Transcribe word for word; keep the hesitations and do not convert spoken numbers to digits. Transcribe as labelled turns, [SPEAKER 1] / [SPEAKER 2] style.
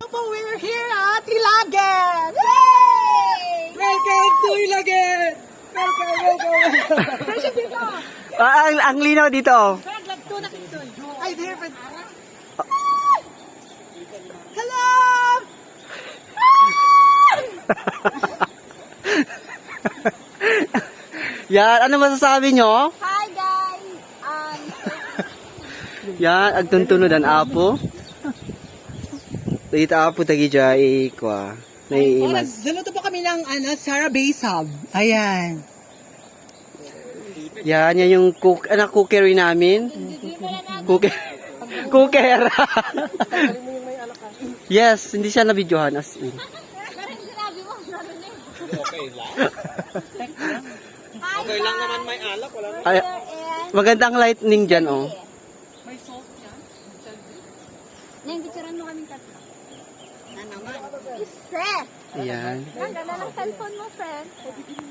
[SPEAKER 1] We're here at Ilagan! Yay!
[SPEAKER 2] Welcome to Ilagan! Welcome, welcome!
[SPEAKER 1] Kasi dito.
[SPEAKER 3] Ah, ang, ang linaw dito.
[SPEAKER 1] Brad, lagto na kito. Ay, there, Brad. Hello!
[SPEAKER 3] Yan, ano masasabi nyo?
[SPEAKER 1] Hi, guys! Um,
[SPEAKER 3] Yan, agtuntunod ang apo. Dito apo tagi jay kwa. Naiimas.
[SPEAKER 2] Dalo po kami ng ano, Sarah Baysab. Ayan.
[SPEAKER 3] Yan, yan yung cook, anak cookery namin. Cooker. Cooker. Yes, hindi siya nabidyohan as in.
[SPEAKER 1] parang sinabi mo, narinig.
[SPEAKER 4] Okay lang.
[SPEAKER 1] Hi,
[SPEAKER 4] Okay lang naman may alak. Wala na.
[SPEAKER 3] Ay, magandang lightning dyan, oh.
[SPEAKER 2] May salt yan?
[SPEAKER 1] Nang picturean mo kaming tatlo. Na naman. Isa!
[SPEAKER 3] Ayan.
[SPEAKER 1] Ang ganda ng cellphone mo, friend.